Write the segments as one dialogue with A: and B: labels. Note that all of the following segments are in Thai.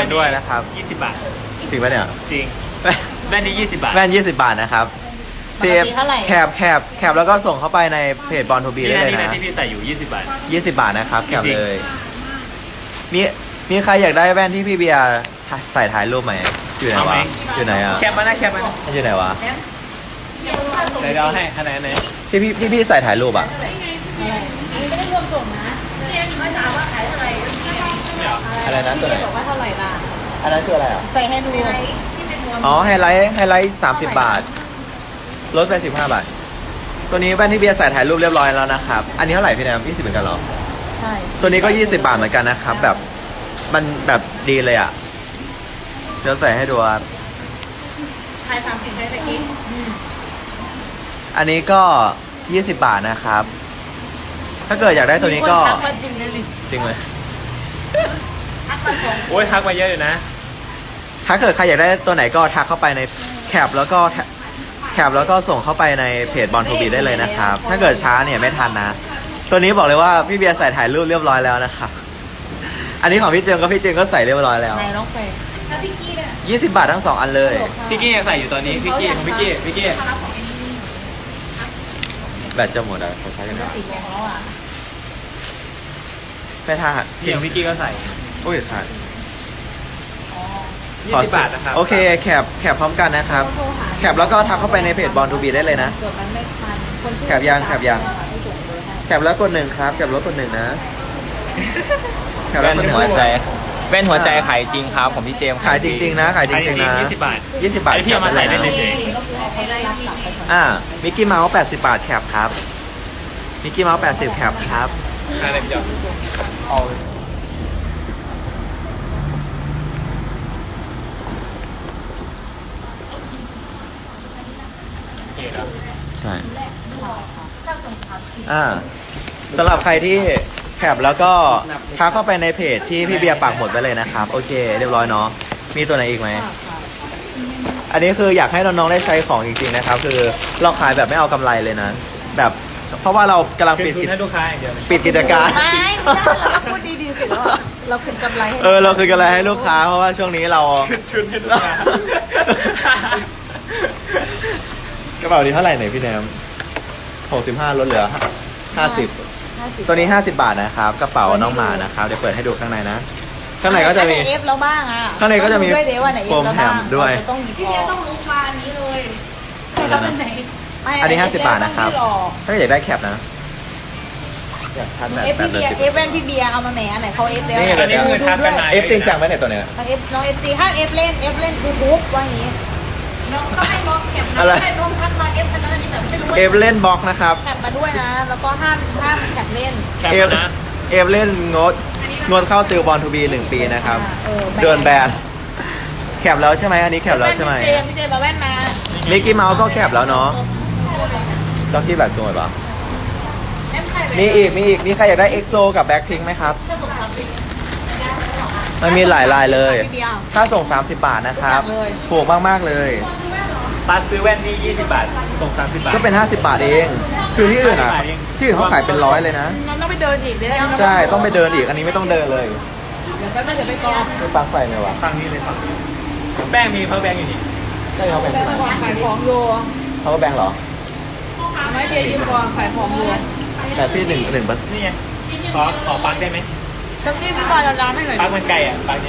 A: กันด้วยนะครับ
B: 20 บาท
A: จริงปะเนี่ย
B: จริงแว่นนี้20 บาท
A: แว่น20 บาทนะครับเซฟแคปแล้วก็ส่งเข้าไปในเพจบอลทูบีได้เลย
B: นี่
A: นะ
B: ที่พี่ใส่อยู่20 บาท
A: 20 บาทนะครับแคป
B: จริงๆ
A: เลยมีใครอยากได้แว่นที่พี่เบียร์ใส่ถ่ายรูปไหมอยู่ไหนวะอยู่ไหนอ่ะ
B: แคปมานะแคปมานะ
A: อยู่ไหนวะ
B: เดี๋ยวเราให้คะแนนไหน
A: ที่พี่ใส่ถ่ายรูปอ่ะ
C: ไม่ได้รวมส่งนะไม่ถามว่าขายเท่าไหร่
A: อะไรนะตัวไหน
C: บอกว่าเท่าไหร่ล่ะ
A: อันนั้นคืออะไรอ่ะ
C: ใส่ให้ดูที่เป็นรวม
A: อ๋อไฮไลท์30 บาทลดไป15 บาทตัวนี้แว่นที่เบียร์ใส่ถ่ายรูปเรียบร้อยแล้วนะครับอันนี้เท่าไหร่พี่แนม20เหมือนกันเหรอ
C: ใช่
A: ตัวนี้ก็20 บาทเหมือนกันนะครับแบบมันแบบดีเลยอ่ะเดี๋ยวใส่ให้ดูครับ
C: ขาย30ได้ตะกี้
A: อันนี้ก็ 20 บาทนะครับ ถ้าเกิดอยากได้ตัวนี้ก็
C: ทักมาจริงเลย
A: จริงเลย
C: ทักมาส่ง
B: โอ้ยทักมาเยอะอยู่นะ
A: ถ้าเกิดใครอยากได้ตัวไหนก็ทักเข้าไปในแคปแล้วก็ส่งเข้าไปในเพจบอลทูบีได้เลยนะครับ ถ้าเกิดช้าเนี่ยไม่ทันนะ ตัวนี้บอกเลยว่าพี่เบียร์ใส่ถ่ายรูปเรียบร้อยแล้วนะครับ อันนี้ของพี่เจมส์ก็ใส่เรียบร้อยแล้ว
C: ไหนน้องเฟย์แล้วพี่กี้เนี่ย
A: 20 บาททั้ง 2 อันเลย
B: พี่กี้ยังใส่อยู่ตอนนี้พี่กี้ของพี่กี้
A: แบตจะหมดอ่ะเขาใช้กันได้
C: สีแดงแล้วอ่ะ
A: ไม่ท่า
B: พี่ของพี่กี้ก็ใส่
A: อุ้ยขาด
B: 20 บาทนะครับ
A: โอเคแคปพร้อมกันนะครับ แคปแล้วก็ทักเข้าไปในเพจบอลทูบีได้เลยนะ
C: เกิดมันไม่ทันคนที่
A: แคปยังแคปแล้วกด1ครับแคปแล้วกด1นะแคปแล้วกด1
D: หัวใจขายจริงครับผมพี่เจมส์
A: ขายจริงๆนะขายจริงๆนะ
B: 20 บาท
A: 20 บาท
B: ไอ้พี่เอามาใส่เล่นเฉย
A: มิกกี้เมาส์80 บาทแคปครับมิกกี้เมาส์80แคปครับ
B: อะไรพี่จอม
D: เอา
B: โอเคแล้ว
A: ใช่สำหรับใครที่แคปแล้วก็ทักเข้าไปในเพจที่พี่เบียร์ปักหมดไปเลยนะครับโอเคเรียบร้อยเนาะมีตัวไหนอีกไหมอันนี้คืออยากให้น้องๆได้ใช้ของจริงๆนะครับคือเราขายแบบไม่เอากำไรเลยนะแบบเพราะว่าเรากำลัง
B: คื
A: ปิ
B: น
A: ด
B: ทุนให้ลูกค้าอย่างเดียวเลย
A: กิจการ
C: ไม่ได้เราพูดดีๆสิว่าเราคืนกำไรให้
A: เราคือกำไรให้ลูกค้าเพราะว่าช่วงนี้เรา
B: คืนให้ลูกค้าก
A: ระเป๋านี้เท่าไหร่ไหนพี่แนม65ลดเหลือ50ตัวนี้50 บาทนะครับกระเป๋าน้องหมานะครับเดี๋ยวเปิดให้ดูข้างในนะข้างในก็จะมี
C: เอฟแล้วบ้างอ่ะ
A: ข้างในก็จะมี
C: ด้วยเดี๋ยววันไหนเอฟแล้วบ้าง
A: โฟมแถมด้วย
C: เราจะต้องหยิบออกต้องรู้ปลานี้เลยไม่
A: อันนี้50 บาทนะครับ ถ้าอยากได้แคปนะอยากชัดแบบ
C: เอฟพี่เบียร์เอฟแว่นพี่เบียร์เอามาแหมอันไหนเขาเอฟแล้ว
A: นี่
B: อันนี้คือทักกันมา
A: เอฟจริงจังไหมเนี่ยตัวเนี้ย
C: เอฟน้องเอฟซีห้ามเอฟเล่นคือบุ๊กว่าอย่างนี้น้องต้องให้บล็อกแคปนะ
A: อะไร
C: ให้น้องทักมาเอฟอันนั้นอันนี้แบบไม่รู้
A: เอฟเล่นบล็อกนะครับ
C: แคปมาด้วยนะ แล้วก็ห้ามแคปเล่น
B: แคป
A: เอฟ
B: นะ
A: เอฟเล่นงดเข้าติวบอลทูบี1 ปีนะครับ
C: เออ
A: โดนแบนแคปแล้วใช่ไหมอันนี้แคปแล้วใช่ไหม
C: พี่เจมาแว่นมา
A: มิกกี้เมาส์ก็แคปแล้วเนาะเจ้าที่แบบตัวไหนปะ
C: เอฟใครไป
A: มีอีกมีใครอยากได้เอ็กโซกับแบ็คพิงไหมครับ
C: ถ้าส่งทับไป
A: มันมีหลายลายเลย
C: พี่เบียร์
A: ถ้าส่ง 30 บาทนะครับ
C: ทุกอย่างเลย
A: ถูกมากๆเลย
B: ปัดซื้อแว่นนี่20 บาท ส่ง 30 บาท
A: ก็เป็น 50 บาทเอง คือที่อื่นอ่ะ
B: 50 บาทเอง
A: ที่อื่นเขาขายเป็น100เลยนะ
C: มันต้องไปเดินอีกเดี๋ยว
A: ใช่ต้องไปเดินอีกอันนี้ไม่ต้องเดินเลย
C: เดี๋ยวแป๊บนึงเดี๋ยวไปกอง
A: ไม่ปลั๊กไฟไหมวะ
B: ฟังนี้เลยฟังแป้งมีเพราะแป้งอยู่นี่
A: ใช่เขาแบง
C: แป๊บนึงก่อนขายของอยู่
A: เขาแบงเหรอ
C: ไม่เบียร์ยืมก่อนขายของอยู่
A: แต่พี่หนึ่ง
B: นี่ไงขอปังได้ไหม
C: จังนี่พี่บอยเราล้างให้หน่อย
B: ปังมันไกลอ่ะปังเนี่ย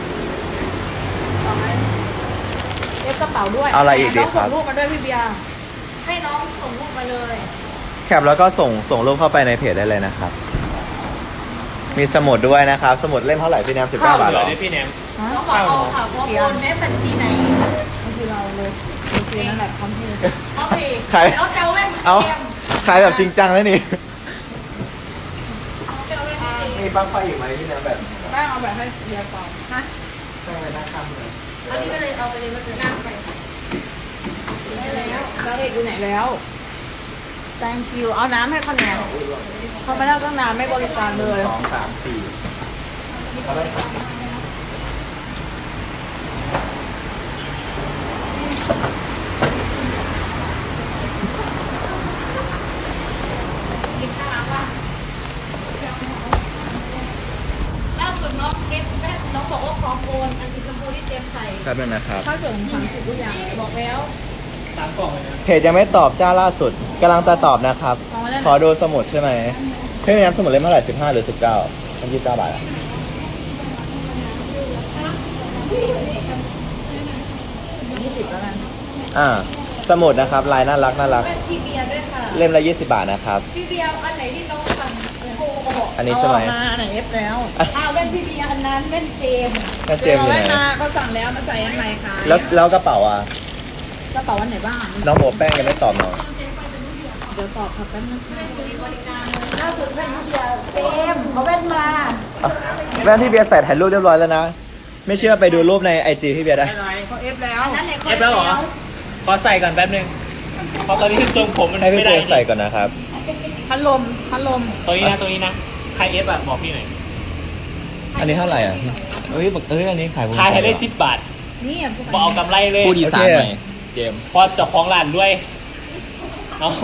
C: เอฟกระเป๋าด้วย
A: เอาอะไรอีกดีครับ
C: น้องส่งรูปมาด้วยพี่เบียร์ให้น้องส่งรูปมาเลย
A: แคปแล้วก็ส่งรูปเข้าไปในเพจได้เลยนะครับ มีสมุดด้วยนะครับ สมุดเล่มเท่าไหร่พี่แนม19 บาทเหรอ
B: เดี๋ยวพี่แนม
C: น้องบอกเอาค่ะเพราะโอนได้บัญชีไหนบัญชีเราเลยบัญชีนั่นแหละคำที่โอเค
A: ขาย
C: แล้วจะเอาแว่น
A: เอาขายแบบจริงจังแล้วนี่มีปลั๊กไฟอีกไหมพี่แนมแบบ
C: แป้งเอาแบบให้เบียร์ก่อนฮะ
A: ตั้งไว้หน้าคำเลย
C: เอานี่ไปเลยเอาไปเลยมาเลยนั่งไปได้แล้วแล้วเอกอยู่ไหนแล้ว thank you เอาน้ำให้เขาแนวเขาไม่ได้ตั้งนานไม่บริการเลย
A: 2 3 4เอาได้ครับ
C: ล่าสุดน้องเอฟแม่น้องบอกว่าพร้อมโอนอันสีชมพูที่เจมใส่
A: แป๊บนึงนะครับ
C: ข้าวเสริม30ทุกอย่างบอกแล้ว
B: 3 กล่องเลยนะ
A: เพจยังไม่ตอบจ้าล่าสุดกำลังจะตอบนะครับ
C: เอามาแล้วนะ
A: ขอดูสมุดใช่ไหมพี่มีน้ำสมุดเล่มเท่าไหร่15หรือ19มัน29 บาทอะ
C: 20แล้วกัน
A: สมุดนะครับลายน่ารักน่ารัก
C: แว่นพี่เบียร์ด้วยค่ะ
A: เล่มละ20 บาทนะครับ
C: พี่เบียร์อันไหนที่น้องสั่งโทรมาบอก
A: อันนี้ใช่ไหม
C: เอาออกมาอันไหนเอฟแล้ว
A: อ่ะ
C: อ้าวแว่นพี่เบียร์อันนั้นแว่นเจมส์
A: แว่นเจมส์อยู่ไหน
C: แว่นมาเขาสั่งแล้วมาใส่อันใหม่ขาย
A: แล้วกระเป๋าอ่ะ
C: กระเป๋าอันไหนบ้าง
A: น้องโบแป้งยังไม่ตอบน้อง
C: เดี๋ยวตอบครับแป๊บนึงล่าสุดแว่นพี่เบียร์เจมส์เอาแว่นมา
A: อ่ะแว่นที่เบียร์ใส่ถ่ายรูปเรียบร้อยแล้วนะ ไม่เชื่อไปดูรูปใน IG พี่เบียร์ได้
C: เขาเอฟแล้ว
B: เอฟแล้วเหรอขอใส่ก่อนแป๊บนึงเพราะตอนนี้ทรงผมมัน
A: ให้พี่
B: ไม่
A: เบี
B: ได้
A: ยร์ใส่ก่อนนะครับ
C: พัดลม
B: ตรงนี้นะตรงนี้นะใครเอฟอะบอกพี่หน่อย
A: อันนี้เท่าไหร่อ่ะเอ้ยอันนี้ขาย
B: ขายให้ได้10 บาท
C: นี่อ่ะ
B: บอกเอากำไรเลย
D: พูดอีสานหน่อยเจมส์
B: เพอเจ้าของร้านด้วยเนาะ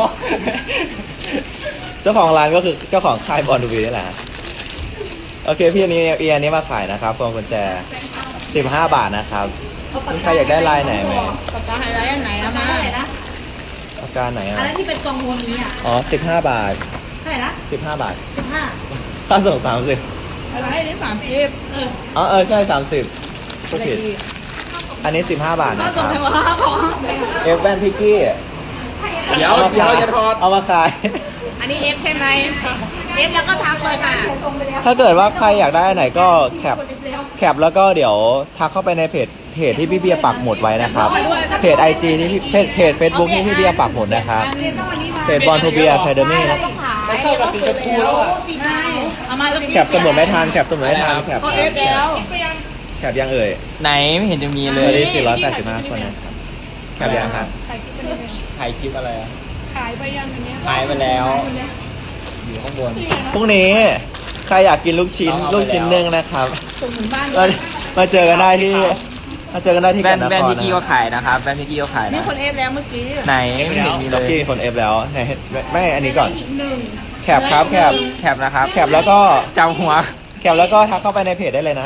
A: เจ้าของร้านก็คือเจ้าของค่ายบอลดูบีนี่แหละโอเคพี่อันนี้มาขายนะครับพวงกุญแจ15 บาทนะครับมีใครอยากได้ลายไหนไหม
C: ปากกาไฮไลท์อันไหนนะมา
A: ปากกาไหนอ่ะ
C: อันนั้นที่เป็นกองโมนี้อ่ะ
A: อ๋อ15 บาท
C: เท่าไหร่นะ
A: 15 บาท
C: 15
A: ค่าส่ง30
C: อะไรนี่30
A: อ๋อใช่30ก็ผิดอันนี้15 บาท
C: ก็
A: นะค
C: ส่ง
A: รับ
C: ให้ว่าของ
A: เอฟแวนพิกกี้
D: เดี๋ยวจะทอด
A: เอามาขาย
C: อันนี้เอฟใช่ไหมเอฟแล้วก็ทักเลยค่ะ
A: ถ้าเกิดว่าใครอยากได้อันไหนก็แคปแล้วก็เดี๋ยวทักเข้าไปในเพจที่พี่เบียร์ปักหมุดไว้นะครับ เพจ IG ที่เพจ Facebook ที่พี่เบียร์ปักหมุดนะครับ เพจบอลทูเบียร์แคเดมี่นะ
B: ไม่เข้ากับสีชมพูแล้วอะ
C: เอามาแล้ว
A: แคปสมุดไม่ทันแคปสมุดไม่ทันแคป
C: เขาเอฟแล้ว
A: แคปยังเอ่ย
D: ไหนไม่เห็นจะมีเล
A: ตอน
D: ย
A: นี้485 คนนะครับแคปยังครับ
D: ถ่ายคลิปอะไรอะขายไปยังอย่างเงี้ยขายไปแล้ว อยู่ข้างบน
A: พรุ่งนี้ใครอยากกินลูกชิ้น
D: เอาไป
A: ลูกชิ้น
D: แล้ว
A: นึ่งนะครับ
C: ส่งถึงบ้าน
A: มาเจอกันได้ที่
D: แว่น
A: กันนคร
D: แว่นพี่กี้ก็
A: นะ
D: ขายนะครับแว่นพี่กี้ก็ขาย
C: นี่
D: นะ
C: คนเอฟแล้วเมื่อกี้
D: ไหนไม่เห็นมีเล
A: ล็อก
D: ย
A: กี้คนเอฟแล้วไหนไม่อันนี้ก่อน
C: อีกหนึ่ง
A: แคปครับแคป
D: แคปนะครับ
A: แคปแล้วก็
D: จำหัว
A: แคปแล้วก็ทักเข้าไปในเพจได้เลยนะ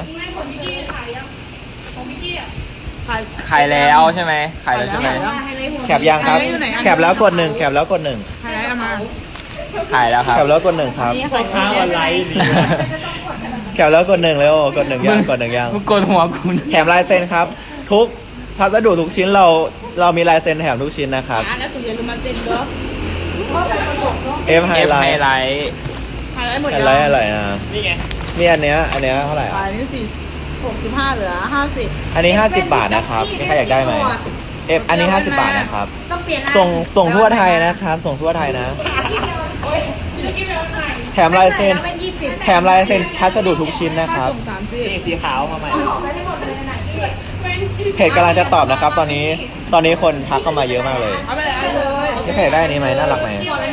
D: ขายแล้วใช่ไหมขายแล้วใช่ไหม
A: แคปยังครับ แคปแล้วกดหนึ่งแคปแล้วกดหนึ่ง
C: ไฮไลท์เอามา
D: ขายแล้วครับ
A: แคปแล้วกดหนึ่งครับ
C: นี่
B: พ่อค้าออนไลน์นี่
A: แคปแล้วกดหนึ่งเร็วกดหนึ่งยังกดหนึ่งยัง
D: มึงกดหัวกู
A: แถมลายเซ็นครับ ทุกพัสดุทุกชิ้นเรามีลายเซ็นแถมทุกชิ้นนะครับ
C: อ่าแล้วสุดอย่าลืมมาเซ็นเด้อ
A: เอฟไฮ
D: เอฟ
A: ไล
D: ไฮ
A: ท์
D: ไลท์
C: ไฮไลท์หมด
A: ไฮ
C: ยัง
A: ไลท์อะไรนะ
B: นี่ไง
A: มีอันเนี้ยเท่าไหร่
C: ขาย
A: อ่ะ
C: นี่65เหลือ50
A: อันนี้50 บาทนะครับมีใครอยากได้ไหมเอฟอันนี้50 บาทนะครับ
C: ต้องเปลี่ยน
A: ส่งทั่วไทยนะครับ ส่งทั่วไทยนะ แถมลายเซ็นแถมลายเซ็นพัสดุทุกชิ้นนะครับ
C: ส่ง30
B: นี่สีขาวมาใหม่
A: เพจกำลังจะตอบนะครับ ตอนนี้คนทักเข้ามาเยอะมากเลย
C: เอาไปเลยเอาเลย
A: พี่เพจได้อันนี้ไหมน่ารักไหม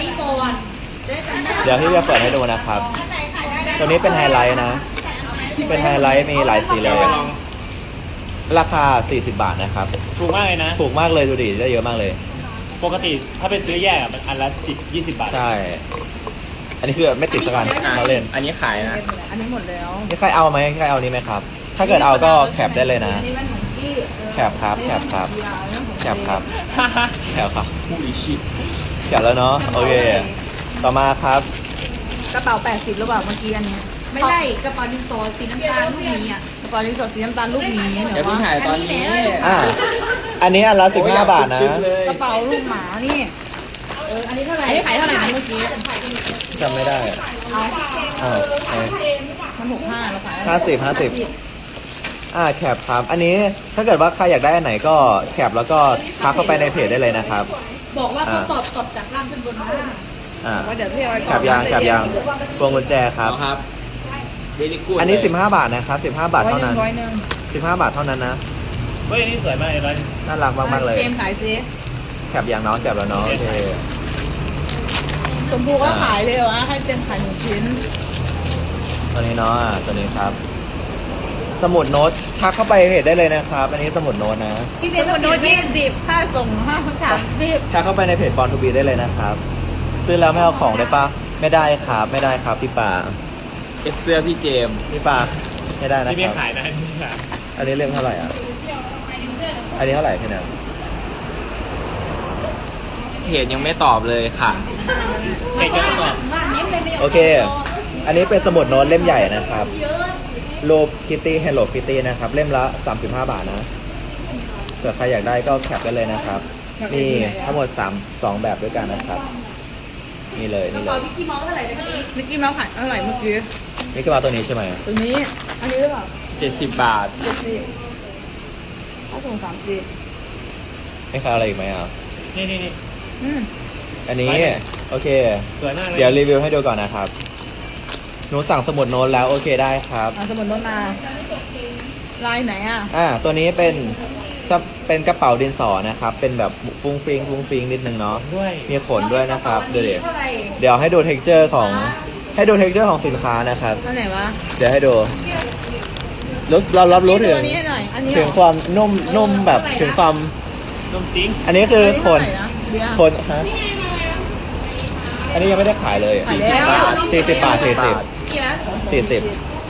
A: เดี๋ยวพี่จะเปิดให้ดูนะครับ ตัวนี้เป็นไฮไลท์นะ เป็นไฮไลท์มีหลายสีเลย ราคา 40 บาทนะครับ
B: ถูกมากเลยนะ
A: ถูกมากเลยดูดิได้เยอะมากเลย
B: ปกติถ้าไปซื้อแยกอะมันอันละ10-20 บาท
A: ใช่ อันนี้คือไม่ติดสักอันเราเล่น
D: อันนี้ขายนะ
C: อันนี้หมดแล้ว
A: นี่ใครเอาไหมใครเอานี้ไหมครับ ถ้าเกิดเอาก็แคปได้เลยนะ
C: อันนี้มันของกี้
A: แคปครับแคปครับแคปครับแคปครับ
D: ผู้ลิชิต
A: แคปแล้วเนาะโอเค ต่อมาครับ
C: กระเป๋า80หรือเปล่าเมื่อกี้อันนี้ไม่ได้กระเป๋าดินสอสีน้ำตาลลูกนี้อ่ะกระเป๋าดินสอสีน้ำตาลลูกนี้
D: เดี๋ยวเพิ่งถ่ายตอนนี้
A: อันนี้อันละ15 บาทนะ
C: กระเป๋าลูกหมานี่อันนี้เท่าไหร่อันนี้ขายเท่าไหร่นะเมื่อกี้
A: จำไม่ได้
C: เอา
A: อ้าวไหน
C: มัน65เราขาย
A: 50แคปครับ อันนี้ถ้าเกิดว่าใครอยากได้อันไหนก็แคปแล้วก็ทักเข้าไปในเพจได้เลยนะครับ
C: บอกว่าเขาตอบจากล่างขึ้นบนมา ว่าเดี๋ยวพี่เอา
A: แคปยางพวงกุญแจครับ
D: เอาครับเดลิกูด
A: อันนี้15 บาทนะครับ15 บาทเท่านั้น
C: ร้อยหนึ่ง
A: 15 บาทเท่านั้นนะ
B: เฮ้ยนี่สวยมากเลยร้อย
A: น่ารักมากๆเลย
C: เกมขายซิ
A: แคปยางเนาะแคปแล้วเนาะโอเค
C: ชมพูก็ขายเลยเหรอวะให้เต็มขาย1ชิ้น
A: ตัวนี้เนาะตัวนี้ครับ สมุดโน้ตทักเข้าไปเพจได้เลยนะครับ อันนี้สมุดโน้ตนะ
C: พี่เบนโน้ต20ค่าส่ง30
A: ทักเข้าไปในเพจบอลทูบีได้เลยนะครับ ซื้อแล้วไม่เอาของได้ปะไม่ได้ครับไม่ได้ครับพี่ป่า
D: เอฟเสื้อพี่เจมส์
A: พี่ป่าไม่ได้นะ
B: ที่
A: ค
B: ไม่
A: รับ
B: ขายนะนี่ค่ะ
A: อันนี้เล่มเท่าไหร่อ่ะ อันนี้เท่าไหร่พี่แนน
D: เพจยังไม่ตอบเลยค่ะ
B: ใครจะตอบ
A: โอเค อันนี้เป็นสมุดโน้ตเล่มใหญ่นะครับรูปคิตตี้ Hello Kitty นะครับ เล่มละ 35 บาทนะส่วนใครอยากได้ก็แคปได้เลยนะครับ มีทั้งหมด2แบบด้วยกันนะครับ นี่เลยนี่เลย
C: มิกกี้เมาส์เท่าไหร่นะพี่มิกกี้เมาส์ขายเท่าไหร่เมื่อกี้
A: นี่ก็มาตัวนี้ใช่ไหม
C: ตัวนี้ อันนี้หรือเปล่า
D: 70 บาท
C: 70ถ้าส่ง30
A: ไม่ค้าอะไรอีกไหมอ่ะ
B: นี่
C: อืม
A: อันนี้โอเค
B: สวยมากเลย
A: เดี๋ยวรีวิวให้ดูก่อนนะครับ หนูสั่งสมุดโน้ตแล้วโอเคได้ครับ
C: สมุดโน้ตมาลายไหนอ่ะ
A: ตัวนี้เป็นกระเป๋าดินสอนะครับ เป็นแบบฟุ้งฟิงนิดนึงเนาะ
B: ด้วย
A: มีขนด้วยนะครับดูดิ
C: เท่าไหร่
A: เดี๋ยวให้ดูเท็กเจอร์ของของสินค้านะครับ
C: อันไหนวะ
A: เดี๋ยวให้ดูเรารับรู้ถึง
C: ตัวนี้ให้หน่อย อันนี้
A: ถึงความนุ่มแบบถึงความ
B: นมจริง
A: อันนี้คือขน
C: เบียร์
A: คนฮะอันนี้ยังไม่ได้ขายเลย
C: ขายแล้ว
A: 40 บาท
C: กี่นะ
A: 40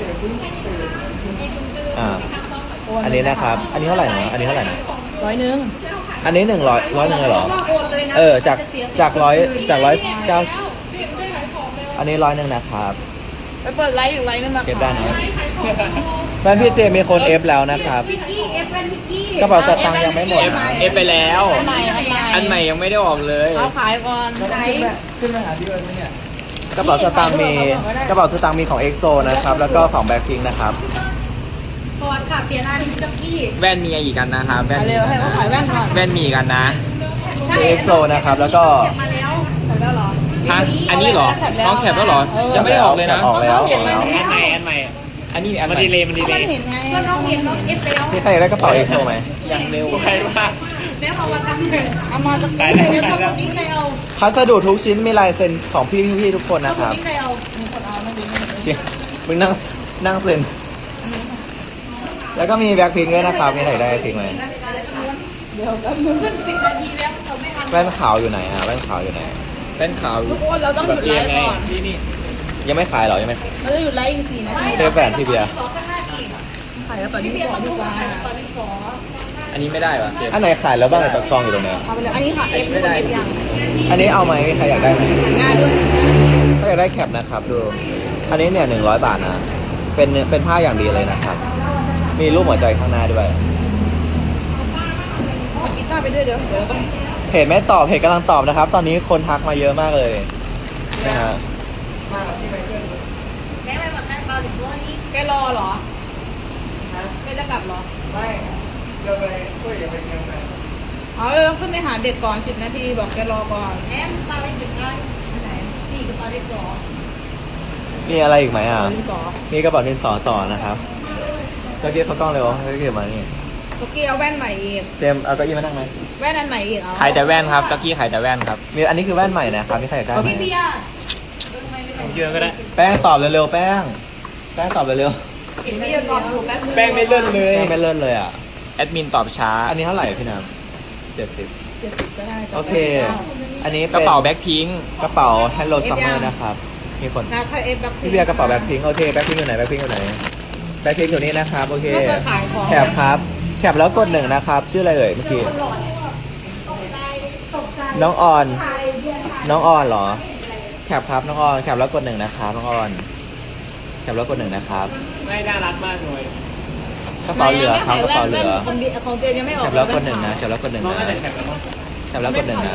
A: อันนี้นะครับ อันนี้เท่าไหร่นะอันนี้เท่าไหร่นะ
C: 100
A: อันนี้100เลยเหรอจาก109อันนี้100นะครับ
C: ไปเปิดไลฟ์อยู่ไลฟ์นึงมา
A: เก็บได้นะแฟนพี่เจมีคนเอฟแล้วนะครับกระเป๋าสตางค์ยังไม่หมดนะ
D: เอฟไปแล้ว
C: อันใหม่
D: อันใหม่ยังไม่ได้ออกเลย
C: เอาขายก่อนขาย
A: กระเป๋าสตางค์มีของเอ็กโซนะครับ แล้วก็ของแบ็คพิงนะครับ
C: ก่อนค่ะเปลี่ยนอันกับกี้
D: แว่นมีอีกกันนะครับแว่น
C: เร็วให้เขาขายแว่นก่อน
D: แว่นมีอีกกันนะ
A: มีเอ็กโซนะครับ แล้วก็
C: ขายแล้วเหรอ
D: ฮะอันนี้เหรอน้องแคปแล้วเหรอ ยังไม่ได้ออกเลยนะ
A: ออกแล้ว
B: อันใหม่
D: อันนี้อัน
B: มัน
D: ใหม่
B: ดีเลยมันดีเล
C: มัน
B: ย
C: เห็นไงก็น้องเห็นน้องเอฟแล้ว
A: พี่ใครอยากได้กระเป๋าเอ็กโซไหม
D: ยังเร็ว
B: ไวมาก
C: แล้วเอามาทำเอามาจาก
B: ได้
C: นี้
B: แล้ว
C: แล้วก็
B: ได้แล้ว
C: นี้ใครเอา
A: พัสดุทุกชิ้นมีลายเซ็นของพี่ทุกคนนะครับ
C: นี้ใครเอามีคนเอาไม่ดี
A: มึงนั่งเซ็นแล้วก็มีแบ็คพิงด้วยนะครับมีใครได้แบ็คพิงไหม
C: เดี๋ยวแป๊บนึง10 นาทีแล้วเขาไม่ทำ
A: แว่นขาวอยู่ไหนอ่ะแว่นขาวอยู่ไหน
D: แว่นขาว
C: ทุกคนเราต้องหยุดไลฟ์ก่อน
B: นี่
A: ยังไม่ขายเหรอยังไม่
C: เราจะหยุดไลฟ์อีก4 นาที
A: เทปแหวนพี่เบียร์
C: ขายแล้วตอนนี้พี่ขอดีกว่า
D: อันนี้ไม่ได้ปะเก็บ
A: อันไหนขายแล้วบ้างในตะกองอยู่ตรงเนี้ย
C: เอาไปเลยอันนี้ค่ะเอฟไม่ได้เอฟยัง
A: อันนี้เอาไหมใครอยากได้ไหม
C: หันหน้าด้วย
A: ถ้าอยากได้แคปนะครับดู อันนี้เนี่ย100 บาทนะ เป็นผ้าอย่างดีเลยนะครับ มีรูปหัวใจข้างหน้าด้วย
C: เอากีตาร์ไปด้วยเดี๋ยวเราต้อง
A: เพจไม่ตอบเพจกำลังตอบนะครับ ตอนนี้คนทักมาเยอะมากเลยนะฮะ
C: แกรอเหรอแกจะกลับเหรอไม่เดี๋ยวไปคุยกับไปยังไงเอาขึ้นไปหาเด็กก่อน10 นาทีบอกแกรอก่อนแอมตาเล็กได้ไหนนี่กับตาเล็กก่อน
A: มีอะไรอีกไหมอ่ะ
C: ดินสอ
A: มีกระเป๋าดินสอต่อนะครับเก้าอี้เขากล้องเร็วให้เก็บมานี่
C: เมื่อกี้เอาแว่นใหม่อีก
A: เจมส์เอาเก้าอี้มานั่งไหม
C: แว่นอันใหม่อีกเอา
D: ขายแต่แว่นครับตะกี้ขายแต่แว่นครับ
A: มีอันนี้คือแว่นใหม่นะครับมีใครอยากได้ไหม
C: พี่เบียร์
B: เยอะก็ได้
A: แป้งตอบเร็วๆแป้งตอบเร็ว
C: เห็นพี่เบียร์ก่อนอยู่แป๊บนึง
D: แป้งไม่เลื่อนเล
A: ๆ
D: ย
A: แป้งไม่เลื่อนเลยอ่ะ
D: แอดมินตอบช้า
A: อันนี้เท่าไหร่พี่น้ำ70
C: 70ก็ได้
A: โอเค อันนี้
D: ก
A: เป็น
D: ระเป๋าแบ็คพิง
A: กระเป๋า Hello Summer นะครับ มีคน
C: นะถ้าเอฟแบบ
A: พี่เบียร์กระเป๋าแบ็คพิงโอเคแบ็คพิงอยู่ไหนแบ็คพิงอยู่ไหนแบ็คพิงอยู่นี่นะครับโอเค
C: ก็เคยขายของ
A: แคปครับแคปแล้วกด1นะครับชื่ออะไรเอ่ยเมื่อกี้น้องออนเหรอแคปครับน้องออนแคปแล้วกด1นะครับน้องออนแคปแล้วกด1นะครับ
B: ไม่น่ารักมากเลย
A: กระเป๋าเหลือครับกระเป๋าเหลือ
C: ของเจมยังไม่ออก
A: แคปแล้วกด1นะแคปแล้วกด1
B: น้อง
A: นะ
B: น่าจะแข็งแล้วมั้ง
A: แคปแล้วกด1นะ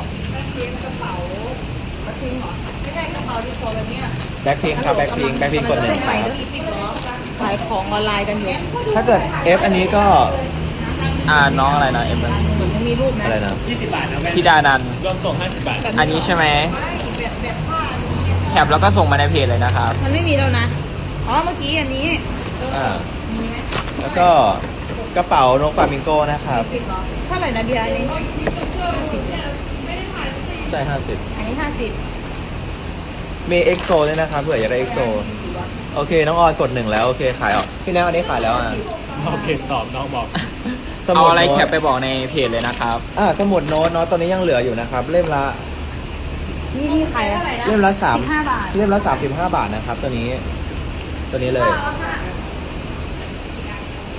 C: ไม่ใช่กระเป๋าที่โชว์แบบเนี้ย
A: แบ็คพิงครับแบ็คพิงกด1ครับ
C: ขายของออนไลน์กันอยู่
A: ถ้าเกิด F อันนี้ก็
D: น้องอะไรนะเอ็ม
C: เหมือนยังมีรูปนะ
A: อะไรนะ
B: 20 บาทนะแว่น
D: ธิดานันท์
B: รวมส่ง50 บาท
D: อันนี้ใช่ไหมแคปแล้วก็ส่งมาในเพจเลยนะครับ
C: มันไม่มีแล้วนะ อ๋อเมื่อกี้อันนี้
A: อ่า
C: มีไหม
A: แล้วก็กระเป๋านกฟลามิงโก้นะครับ
C: 10เหรอเท่าไหร่นะเบียร์อันนี้50
A: ใช่50
C: อันนี้50
A: มีเอ็กโซด้วยนะครับเผื่ออยากได้เอ็กโซโอเค น้องออนกด1แล้วโอเคขายออกพี่แนวอันนี้ขายแล้วอ่ะ
B: โอเคตอบน้องบอก
A: ส
D: เอา
A: มุด
D: อะไร
A: โน้
D: แคป
A: ต
D: ไปบอกในเพจเลยนะครับ
A: สมุดโน้ตตอนนี้ยังเหลืออยู่นะครับ เล่มละ
C: นี่ขายอะไรนะ
A: เล่มละ3
C: 15 บาท
A: เล่มละ35 บาทนะครับ ตัวนี้เลย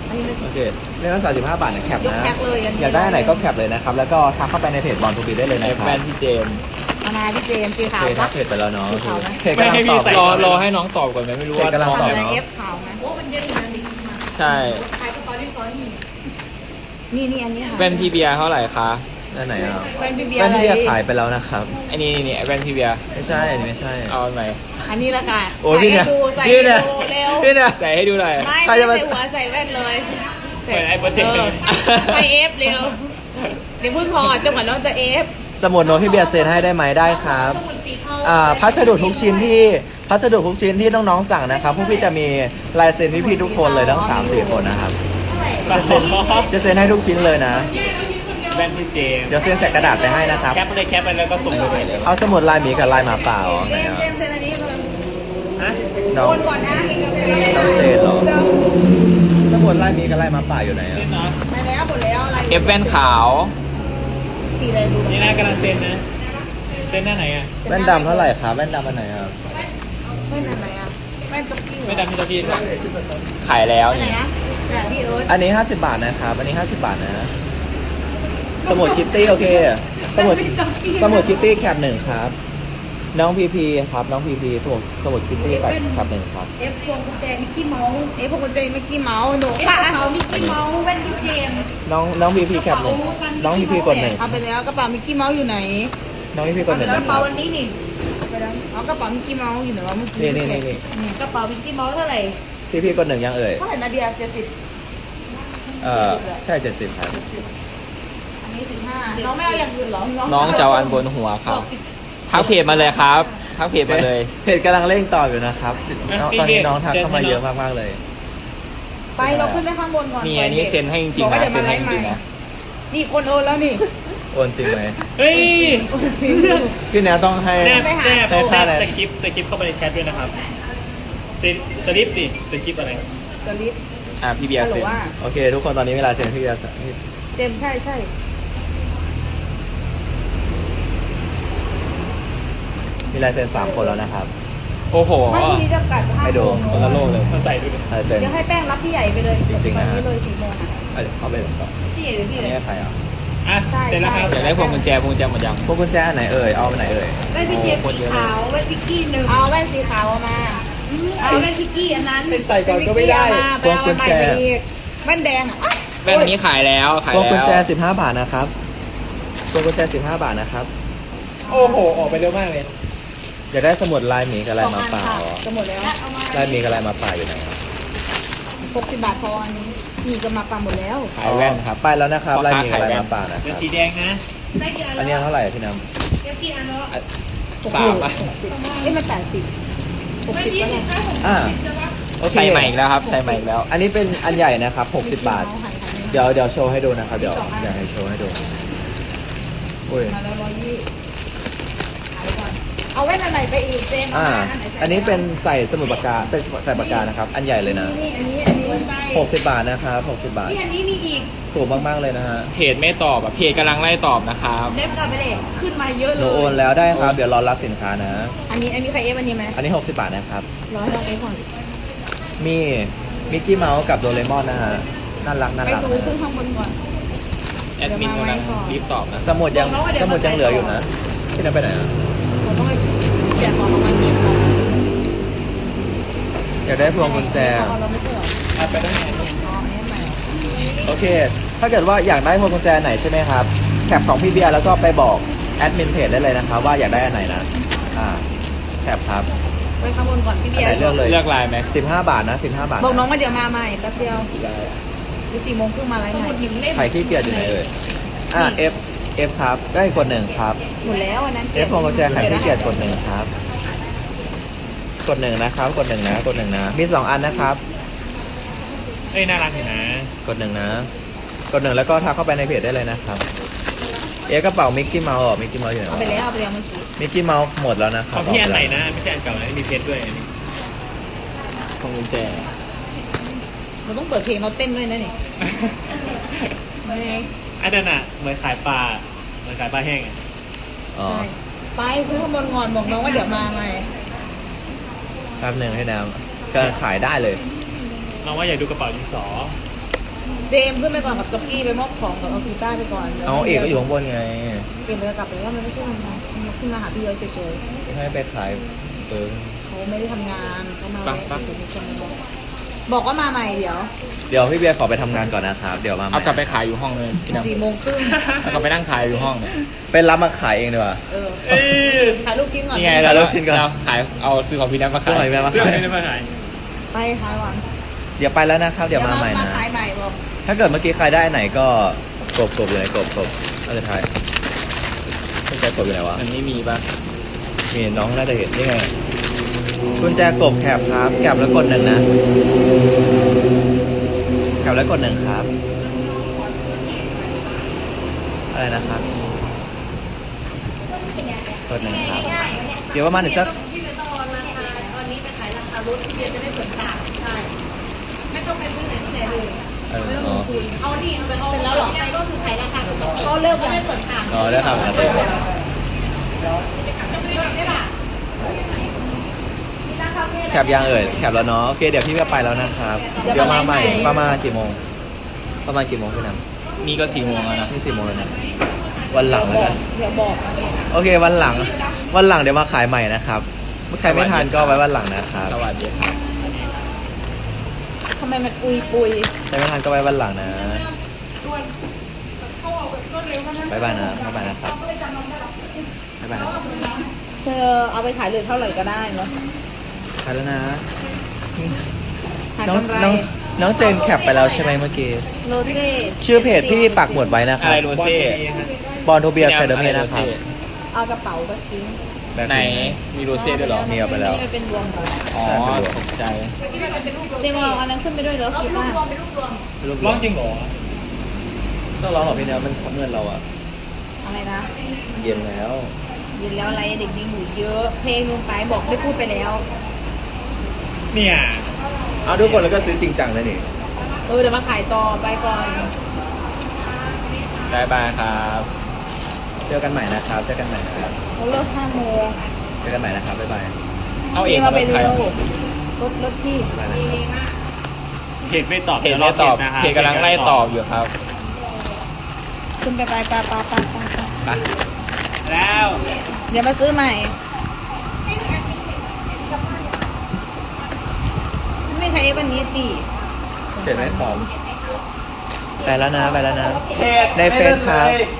C: อันนี้เลย
A: โอเคเรื่องละ35 บาทนะแคป
C: ยก
A: นะ
C: แพ็คเลยอันนี้
A: อยากได้อันไหนก็แคปเลยนะครับ แล้วก็ทักเข้าไปในเพจบอลทูบีได้เลย
D: เอ
A: นะ
D: ฟ
A: ครับ
D: แว่นพี่เจมส์
C: มานาพี่เจมส์สี
A: โอ
C: ขาว
A: เคทั
C: ปะ
A: กเพจไปแล้วเนาะ
C: สีขาวไหม
A: เพจกำลังตอบ
D: รอให้น้องตอบก่อนไหมไม่รู้ว่า
A: เพจกำลัง
D: น้อง
A: ตอบ
C: อะไร
A: เนาะ
C: เอฟขาวนะโอ้มันเยอะอยู่นะนี่
D: ใช่
C: ขายกระเป๋าที่ซ้อนนี่อันนี้ค่ะ
D: แว่นพี่เบียร์เท่าไหร่คะ
A: นั่นไหนอ่ะ
C: แว่นพี่เบียร์
A: แว่น
C: อะไร
A: ที่จะขายไปแล้วนะครับ
D: ไอ้นี่แว่นพี่เบียร์
A: ไม่ใช่อันนี้ไม่ใช่
D: เอาอันไหน
C: อันนี้ละกัน
A: โอ้ยพี่เนี่ย
C: ใส่
A: พี่
C: ให้
A: เนี่ย
C: ดูเร็ว
A: พี่เนี่ย
D: ใส่ให้ดูหน่อย
C: ไม่
A: ใคร
C: ไม่
A: จะมา
C: ใส่หัวใส่แว่นเลย
B: เปิดไอ้โปรเจกต์
C: ใส่เอฟเร็วเดี๋ยวเพิ่งถอดจังหวะน้องจะเอฟ
A: สมุดโน้ตพี่เบียร์เซ็นให้ได้ไหมได้ครับ
C: สมุดสีเทา
A: พัสดุทุกชิ้นที่น้องๆสั่งนะครับพวกพี่จะมีลายเซ็นพี่ๆทุกคนเลยทั้ง3-4 คนนะครับจะเซ็นให้ทุกชิ้นเลยนะ
B: แว่นพี่เจมส์
A: เดี๋ยวเซ็นใส่กระดาษไปให้นะครับ
B: แคปเลยแคปไปแล้วก็ส่งไปเลย
A: เอาสมุดลายหมีกับลายหมาป่าอ๋อไหน
C: เจม
A: อ่ะ
C: ส์เจมส์เซ็นอันนี้เลย
B: ฮะ
A: น้อง
C: โอนก่อนนะ
A: น้องเซ็นเหรอสมุดลายหมีกับลายหมาป่าอยู่ไหนอ่ะ
B: เล่นเนาะ
C: ไปแล้วหมดแล้วอะไร
D: เอฟแว่นขาว
C: สีอะไรดู
B: นี่นะกำลังเซ็นนะเซ็นหน้าไหนอ่ะ
A: แว่นดำเท่าไหร่ครับแว่นดำอันไหนอ่ะ
C: ไม่ไหนไหนอ่ะไม่กับพี่
B: ไม่ดำไม่ตะพี่
D: ขายแล้ว
C: ไหน
D: นี่
C: นะแบบพี่เอิร์ธ
A: อันนี้50 บาทนะครับอันนี้50 บาทนะสมุดคิตตี้โอเคสมุดคิตตี้แคปหนึ่งครับ น้องพีพีครับน้องพีพีสมุดคิตตี้แคปหนึ่งครับ
C: เอฟพวงกุญแจมิกกี้เมาส์เอฟพวงกุญแจมิกกี้เมาส์หนูค่ะเขามิกกี้เมาส์แว่นพี่เจมส์
A: น้องพีพีแคปหนึ่งน้องพีพีกดหนึ่ง
C: เอาไปแล้วกระเป๋ามิกกี้เมาส์อยู่ไหน
A: น้องพีพีกดหนึ่ง
C: ก
A: นะ
C: ระ
A: ค
C: เป๋า
A: รับ
C: วันนี้นี่ไปแล้วเอากระเป๋ามิกกี้เมาส์อยู่ไหนวะเมื่อกี้
A: นี่
C: กระเป๋ามิกกี้เมาส์เท่าไหร่
A: พีพีกดหนึ่งยังเอ่ย
C: เท่าไหร่นะเดีย70
A: ใช่70ครับ
C: อันนี้15น้องไม่เอาอย่างอื่นเหรอ
D: น้องจะเอาอันบนหัวครับทักเพจมาเลยครับทักเพจมาเลย
A: เพจกำลังเร่งต่ออยู่นะครับตอนนี้น้องทักเข้ามาเยอะมากๆเลย
C: ไปเราขึ้นไปข้างบนก่อน
D: นี่อันนี้เซ็นให้จริงๆนะเซ็นให้จริงๆนะ
C: นี่คนโอนแล้วนี่
A: โอนจริงไหม
B: เฮ้ย
A: พี่แนวต้องให้
B: แนบ
A: ให้ค่าอะไร
B: สคริปต์เข้าไปในแชทด้วยนะครับสลิปดิสคริปต์อะไร
C: สลิป
D: พี่เบียร์
C: ฮัลโหล
D: เซ็น
C: ว่า
A: โอเค ทุกคนตอนนี้เวลาเซ็นพี่จะ
C: เจมส์ใช่ใช่
A: มีลายเซ็น3 คนแล้วนะครับ
D: โอ้โห
C: ไม่ทีนี้จะกัด5
A: ให้ดู
D: คนละโลกเลย
B: มาใส่ดูดิ
A: ลายเซ็น
C: เดี๋ยวให้แป้งรับพี่ใหญ่ไปเลย
A: จริงๆนะฮะ
C: ตอเลย4 โมงอ่ะ
A: เข้าไปเลยต่อ
C: พี่ใหญ่หรือพี่
A: อัน
C: เลย
A: นี้ใครอ่ะ
B: อ่ะเสร็จแล้วครับ
D: อยากได้พวงกุญแจหมดยัง
A: พวกกุญแจอันไหนเอ่ยเอาอันไหนเอ่ย
C: แว่นพี่เจมส์สีขาวแว่นพิกกี้1เอาแว่นสีขาวมาเอาแว่นพิกกี้อันนั้น
A: ใส่ก่อนก็ไม่ได้
C: ไปเอามาใหม่ไปอีกแว่นแดงอ่ะ
D: แว่นนี้ขายแล้วขาย
A: พวงกุญ
D: แล้ว
A: แจ15 บาทนะครับพวงกุญแจ15 บาทนะครับ
B: โอ้โหออกไปเร็วมากเลย
A: อยากได้สมุดลายหมีกับลายหมาป่าเหรอ
C: จะหมดแล้ว
A: ลายหมีกับลายหมาป่าอยู่ไหนครับ
C: 60 บาทพออันนี้มีกับมาปาหมดแล้ว
D: ขายแว่นครับ
A: ไปแล้วนะครับ
D: พ่อ
A: ลาย
D: ค้า
A: หมีกับลาย
D: ขายแว่
A: ห
D: น
A: มาป่านะค
B: เป็น
A: รับ
B: สีแดงนะ
A: อันนี้เท่าไหร่พี่น้
D: สามอ่ะ
C: เอ้ยมัน80 60ก็ได้
A: ำโอเค
D: ใส่ใหม่อีกแล้วครับใส่ใหม่อีกแล้ว
A: อันนี้เป็นอันใหญ่นะครับ60 บาท เดี๋ยวโชว์ให้ดูนะครับ เดี๋ยวอยากให้โชว์ให้ดูอุ้ย
C: มาแล้วเอาแว่นอะไรไปอีกเจมส์
A: อันนี้เป็นใส่สมุดปากกาเป็นใส่ปากกานะครับ อันใหญ่เลยนะ
C: นี่อันนี้
A: 60 บาทนะครับ60 บาท
C: นี่อันนี้มีอีก
A: ถูกมากๆเลยนะฮะ
D: เพจไม่ตอบอ่ะเพจกำลังไล่ตอบนะครับ
C: เล็บกลับไปเลยขึ้นมาเยอะ
A: ห
C: เล
A: นู
C: ย
A: โอนแล้วได้ครับ เดี๋ยวรอรับสินค้านะ
C: อันนี้ใครเอฟอันนี้ไหม
A: อันนี้60 บาทนะครับ
C: ร้อยลองเอฟก่อน
A: มีมิกกี้เมาส์กับโดเรมอนนะฮะ น่ารักน่า
C: ไป
A: รัก
C: ซูขึ้นข้างบนก่อน
D: แอดมินกำลังรีบตอบนะ
A: สมุดยังเหลืออยู่นะพี่นันไปไหนอ่ะ
C: ผมต้องไปเปลี่ยนของประมาณนี้ก่อน
A: อยากได้พวงกุญแจ
C: เราไม่เชื่อ
B: เอาไปได้ไง
C: อ๋ออันนี้ใหม่
A: โอเค ถ้าเกิดว่าอยากได้พวงกุญแจไหนใช่ไหมครับแคปของพี่เบียร์แล้วก็ไปบอกแอดมินเพจได้เลยนะครับว่าอยากได้อันไหนนะแคปครับ
C: ไปข้างบนก่อนพี่
A: อัน
C: เบีย
A: ไหน
C: ร์
A: เลือกเลย
D: เลือกลายไหม
A: 15 บาทนะ15 บาท
C: บอกน้อง
A: นะ
C: ว่าเดี๋ยวมาใหม่แป๊บเดียวหรือ4 โมงครึ่งมาไลฟ์ใหม่
A: ใครที่เกียจอยู่ไหนเอ่ยF ครับได้กดหนึ่งครับ
C: หมดแล้วอันนั้น
A: F พวงกุญแจใครที่เกียจกดหนึ่งครับ กดหนึ่งนะครับ กดหนึ่งนะ กดหนึ่งนะ มี2 อันนะครับ
B: เอ้ยน่ารักอยู่นะ
A: กดหนึ่งนะ กดหนึ่งแล้วก็ทักเข้าไปในเพจได้เลยนะครับ กระเป๋ามิกกี้เมาส์มิกกี้เมาส์อยู่ไหน
C: เอา
A: วะ
C: ไปแล้วเมื่อกี้
A: มิกกี้เมาส์หมดแล้วนะค
B: ข
A: รั
B: อบ งพี่อันไหนนะ ไม่ใช่อันเก่านะมีเพชรด้วยอันนี้
D: พวงกุญแจ
C: เราต้องเปิดเพลงเราเต้นด้วยนะนี่
B: อันนั้นอ่ะเหมือนขายปลาเหมือนขายปลาแห้งอะ
A: อ๋อ
C: ไปซื้อข้างบนก่อนบอกน้องว่าเดี๋ยวมาใหม่
A: แป๊บหนึ่งให้น้ำกำลังขายได้เลย
B: น้องว่าอยากดูกระเป๋าดินสอ
C: เจมส์ขึ้นไปก่อนกับกับกี้ไปมอบของกับเอากีต้าร์ไปก่อน
A: เอาเอกก็อยู่ข้างบนไง
C: เกมจะกลับไปว่ามันไม่ใช่ทำงานมันขึ้นมาหาพี่เยอะเฉย
A: ให้ไปขายเปิง
C: ๆเขาไม่ได้ทำงานเขามาบอกว่ามาใหม่เดี๋ยว
A: เดี๋ยวพี่เบียร์ขอไปทำงานก่อนนะครับ เดี๋ยวมาใหม่
D: เอากลับไปขายอยู่ห้องเลยพี่น้ำ
C: 4:30
D: เอากลับไปนั่งขายอยู่ห้องเนี่ย
A: เป็นรับมาขายเองดีกว่า
C: เออ
B: เอ้ย
C: ถ่ายลูกชิ้นก่อน
D: นี่ไง
A: ขายลูกชิ้นก่อน
D: เราขายเอาซื้อของพี่น้ำมา
A: ซื้อ
D: ขาย
A: ของพี่น้ำมา
B: เรื่องนี้มาขาย
C: ไปขายวัน
A: เดี๋ยวไปแล้วนะครับ เดี๋ยวมาใหม่
C: มา
A: นะ
C: ขายใหม่บอก
A: ถ้าเกิดเมื่อกี้ใครได้ไหนก็กบเลยกบน่าจะทายกุญแจกบอยู่ไหนวะ
D: มันไม่มีป่ะ
A: มีน้องน่าจะเห็นนี่ไงกุญแจกบแคบครับแคบแล้วกดหนึ่งนะแคบแล้วกดหนึ่งครับ อะไรนะครับกดหนึ่งครับ เดี๋ยวประมาณอีกสัก
C: พี่ไม่ต้องรอราคาตอนนี้ไปขายราคารถพี่เบียร์จะได้ส่วนต่างใช่ไม่ต้องไปซื้อไหนที่ไหนเลย ไม่ต้องลงทุนเอาดีไปเอาเสร็จแล้วหรอไปก็คือขายราคาปกติก็เลิกก็ไม่ส่วนต่าง
A: อ๋อได้ครับ
C: เลิกได้ล่ะ
A: แคบยังเอ่ยแคบแล้วเนาะโอเคเดี๋ยวพี่จะไปแล้วนะครับ เดี๋ยวมาใหม่ประมาณกี่โมงประมาณกี่โมงพี่น้ำ
D: นี่ก็4 โมงแล้วนะ
A: นี่4 โมงแล้วนะวันหลังแล้วกัน
C: เดี๋ยวบอก
A: โอเควันหลังเดี๋ยวมาขายใหม่นะครับใครไม่ทันก็ไว้วันหลังนะครับ
D: สวัสดีครับ
C: ทำไมมันปุย
A: ใครไม่ทันก็ไว้วันหลังนะบ๊ายบายนะครับบ๊ายบายนะครับ
C: เธอเอาไปขายเลยเท่าไหร่ก็ได้เนาะ
A: ขายแล้วนะ
C: หา
A: น้อง
C: กำไร
A: น้องเจนแคปไปแล้วใช่ไหมเมื่อกี้
C: โรเซ่
A: ชื่อเพจพี่ปักหมุดไว้นะค
D: อะ
A: รับ
D: ไรโรเซ่
A: บอลโทเบียร์ไคเดอร์เมนะครับ
C: เอากระเป๋าไปทิ้ง
D: ไหนมีโรเซ่ด้วยเหรอ
A: มีเอาไปแล้ว
C: นี่มันเป็นรวมกัน
D: อ๋อตกใจ
C: เจมเอาอันนั้นขึ้นไปด้วยเหรอคิดว่า
B: ร้องจริงเหรอ
A: ต้องร้องหรอพี่เนื้อมันเมื่อนเราอะ
C: อะไรนะ
A: เย็นแล้ว
C: ยินแล้วอะไรเด็กยิงอยู่เยอะ เพลงลงไปบอกได้พูดไปแล้ว
B: เนี่ย
A: เอาทุกคนแล้วก็ซื้อจริงจังเลยนี่
C: เดี๋ยวมาขายต่อไปก่อน
D: บายบายครับ
A: เจอกันใหม่นะครับเจอกันใหม่นะครับ
C: เขาเลิก5 โมง
A: เจอกันใหม่นะครับบ๊ายบาย
D: เอาเอ
C: พี่
D: ง
C: มาไป
D: ใคร
C: เร็วรถพี่
A: บ๊ายบายนะครับ
B: เพจไม่ตอบ
D: เพจไม่ตอบเพจกำลังไล่ตอบอยู่ครับ
C: ขึ้นไป
D: ไป
B: แล้ว
C: เดี๋ยวมาซื้อใหม่ไม่ใครวันนี้ตี
A: เสร็จไหมตอบไปแล้วนะ
B: เพจ
A: ในเฟซครับ